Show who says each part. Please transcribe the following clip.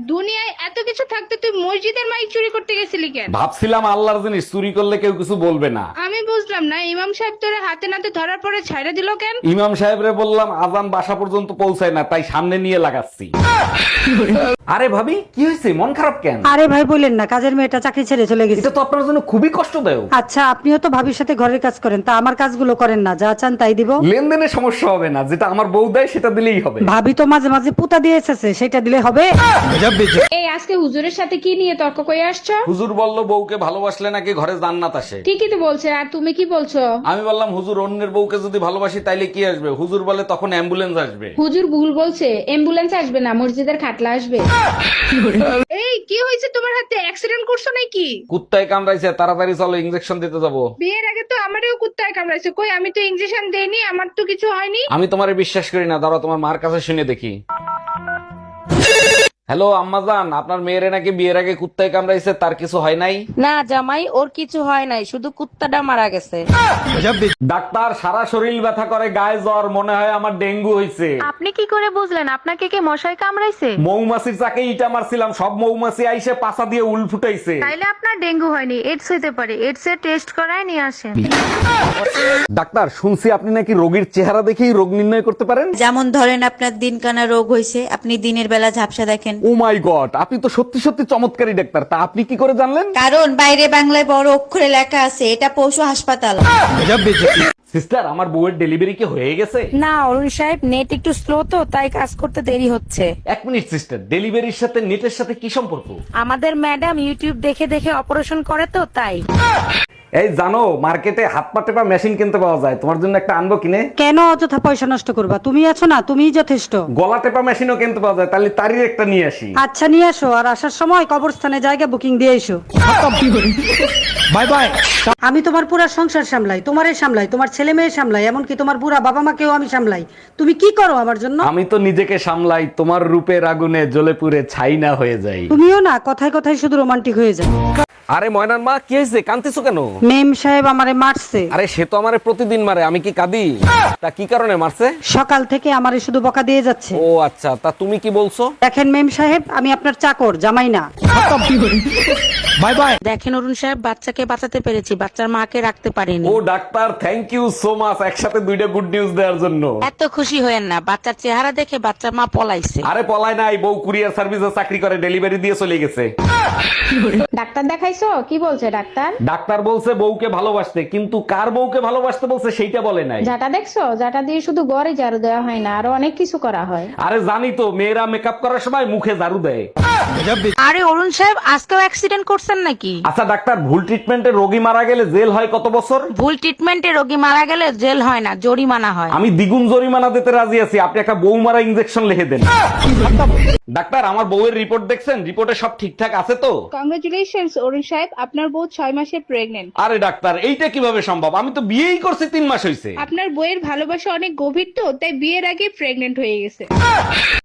Speaker 1: দুনিয়ায় এত কিছু থাকতে তুই মসজিদের মাইক চুরি করতে গেছিলি কেন?
Speaker 2: ভাবছিলাম আল্লাহর জিনিস চুরি করলে কেউ কিছু বলবে না।
Speaker 1: আমি বুঝলাম না, ইমাম সাহেব তোরে হাতে নাতে ধরার পরে ছাইড়া দিল কেন?
Speaker 2: ইমাম সাহেবরে বললাম আজান বাসা পর্যন্ত পৌঁছায় না, তাই সামনে নিয়ে লাগাচ্ছি। আরে ভাবি কি হয়েছে, মন খারাপ কেন?
Speaker 3: আরে ভাই বললেন না, কাজের মেয়েটা চাকরি ছেড়ে চলে গেছে।
Speaker 2: এটা তো আপনার জন্য খুবই কষ্টদায়ক।
Speaker 3: আচ্ছা, আপনিও তো ভাবির সাথে ঘরের কাজ করেন, তা আমার কাজগুলো করেন না, যা চান তাই দিব।
Speaker 2: লেনদেনে সমস্যা হবে না, যেটা আমার বউ দেয় সেটা দিলেই হবে।
Speaker 3: ভাবি তো মাঝে মাঝে পুতা দিয়ে এসেছে, সেটা দিলে হবে।
Speaker 1: এই আজকে হুজুরের সাথে কি নিয়ে তর্ক করে আসছো?
Speaker 2: হুজুর বলল বউকে ভালোবাসলে নাকি ঘরে জান্নাত আসে।
Speaker 1: ঠিকই তো বলছে, আর তুমি কি বলছো?
Speaker 2: আমি বললাম হুজুর অন্যের বউকে যদি ভালোবাসি তাইলে কি আসবে? হুজুর বলে তখন অ্যাম্বুলেন্স আসবে।
Speaker 1: হুজুর ভুল বলছে, অ্যাম্বুলেন্স আসবে না, মসজিদের খাটলা আসবে। এই কি হয়েছে তোমার হাতে, অ্যাক্সিডেন্ট করছো নাকি?
Speaker 2: কুত্তায় কামড়াইছে, তাড়াতাড়ি চলো ইনজেকশন দিতে যাবো।
Speaker 1: বিয়ের আগে তো আমারও কুত্তায় কামড়াইছে, কই আমি তো ইনজেকশন দেইনি, আমার তো কিছু হয়নি।
Speaker 2: আমি তোমারে বিশ্বাস করি না, দাঁড়াও তোমার মার কাছে শুনে দেখি। হ্যালো আম্মাজান, আপনার মেয়েরে নাকি বিয়ের আগে কুত্তায় কামড়াইছে, তার কিছু হয় নাই?
Speaker 4: না জামাই, ওর কিছু হয় নাই, শুধু কুত্তাটা মারা গেছে।
Speaker 2: ডাক্তার, সারা শরীর ব্যথা করে, গায়ে জ্বর, মনে হয় আমার ডেঙ্গু হইছে।
Speaker 5: আপনি কি করে বুঝলেন আপনাকে কে মশাই কামড়াইছে?
Speaker 2: মৌমাছির চাকে ইটা মারছিলাম, সব মৌমাছি আইসে পাছা দিয়ে উল ফুটাইছে।
Speaker 5: তাইলে আপনার ডেঙ্গু হয়নি, এডস হইতে পারে। এডস এর টেস্ট করায় নিয়ে আসেন।
Speaker 2: ডাক্তার, শুনছি আপনি নাকি রোগীর চেহারা দেখেই রোগ নির্ণয় করতে পারেন।
Speaker 6: যেমন ধরেন আপনার দিনকানা রোগ হয়েছে, আপনি দিনের বেলা ঝাপসা দেখেন।
Speaker 2: ও মাই গড, আপনি তো সত্যি সত্যি চমৎকারী ডাক্তার, তা আপনি কি করে জানলেন?
Speaker 6: কারণ বাইরে বাংলায় বড় অক্ষরে লেখা আছে, এটা পশু হাসপাতাল।
Speaker 2: সিস্টার, আমার বউয়ের ডেলিভারি কি হয়ে গেছে?
Speaker 4: না অরুণ সাহেব, নেট একটু স্লো তো, তাই কাজ করতে দেরি হচ্ছে।
Speaker 2: এক মিনিট সিস্টার, ডেলিভারির সাথে নেটের সাথে কি সম্পর্ক?
Speaker 4: আমাদের ম্যাডাম ইউটিউব দেখে দেখে অপারেশন করে তো, তাই।
Speaker 2: এই জানো, মার্কেটে হাত পা টেপা মেশিন কিনতে পাওয়া যায়, তোমার জন্য একটা আনবো কিনে?
Speaker 3: কেন অযথা পয়সা নষ্ট করবা? তুমি আছো না, তুমিই যথেষ্ট।
Speaker 2: গলা টেপা মেশিনও কিনতে পাওয়া যায়, তাহলে তারই একটা নিয়ে আসি।
Speaker 3: আচ্ছা নিয়ে আসো, আর আসার সময় কবরস্থানে জায়গা বুকিং দিয়ে এসো।
Speaker 2: Bye bye.
Speaker 3: আমি তোমার পুরা সংসার সামলাই, তোমারে সামলাই, তোমার ছেলে মেয়ে সামলাই, এমনকি তোমার বুড়া বাবা মাকেও আমি সামলাই। তুমি কি করো আমার জন্য?
Speaker 2: আমি তো নিজেকে সামলাই, তোমার রূপের আগুনে জ্বলে পুড়ে ছাই না হয়ে যাই।
Speaker 3: তুমিও না কথায় কথায় শুধু রোমান্টিক হয়ে যাও।
Speaker 2: আরে ময়নার মা, কি হয়েছে, কাঁদতেছো কেন?
Speaker 3: মেম সাহেব আমারে মারছে।
Speaker 2: আরে সে তো আমারে প্রতিদিন মারে, আমি কি কাঁদি? তা কি কারণে মারছে?
Speaker 3: সকাল থেকে আমারে শুধু বকা দিয়ে যাচ্ছে।
Speaker 2: ও আচ্ছা, তা তুমি কি বলছো?
Speaker 3: দেখেন মেম সাহেব, আমি আপনার চাকর, জামাই না।
Speaker 2: Bye bye.
Speaker 4: দেখেন অরুণ সাহেব, বাচ্চাকে বাঁচাতে পেরেছি, বাচ্চার মাকে রাখতে পারিনি।
Speaker 2: ও doctor, thank you so much, একসাথে দুইটা গুড নিউজ দেওয়ার জন্য।
Speaker 4: এত খুশি হয়েন না, বাচ্চার চেহারা দেখে বাচ্চার মা পলাইছে।
Speaker 2: আরে পলায় নাই, বউ কুরিয়ার সার্ভিসে চাকরি করে, ডেলিভারি দিয়ে চলে গেছে।
Speaker 1: ডাক্তার দেখাইছো? কি বলছে ডাক্তার?
Speaker 2: ডাক্তার বলছে বউকে ভালোবাসতে, কিন্তু কার বউকে ভালোবাসতে বলছে সেইটা বলে নাই।
Speaker 1: যাটা দেখছো, যাটা দিয়ে শুধু গড়ে ঝাড়ু দেওয়া হয় না, আরো অনেক কিছু করা হয়।
Speaker 2: আরে জানি তো, মেয়েরা মেকআপ করার সময় মুখে ঝাড়ু দেয়।
Speaker 4: আরে অরুণ সাহেব, আজকেও অ্যাক্সিডেন্ট করছেন নাকি?
Speaker 2: আচ্ছা ডাক্তার, ভুল ট্রিটমেন্টে রোগী মারা গেলে জেল হয় কত বছর?
Speaker 4: ভুল ট্রিটমেন্টে রোগী মারা গেলে জেল হয় না, জরিমানা হয়।
Speaker 2: আমি দ্বিগুণ জরিমানা দিতে রাজি আছি, আপনি একটা বউ মারা ইনজেকশন লিখে দেন। ডাক্তার, আমার বউয়ের রিপোর্ট দেখছেন? রিপোর্টে সব ঠিকঠাক আছে তো?
Speaker 1: কংগ্রেচুলেশনস অরুণ সাহেব, আপনার বউ 6 মাসে প্রেগনেন্ট।
Speaker 2: আরে ডাক্তার, এইটা কিভাবে সম্ভব? আমি তো বিয়েই করছি 3 মাস হয়েছে।
Speaker 1: আপনার বইয়ের ভালোবাসা অনেক গভীর তো, তাই বিয়ের আগে প্রেগনেন্ট হয়ে গেছে।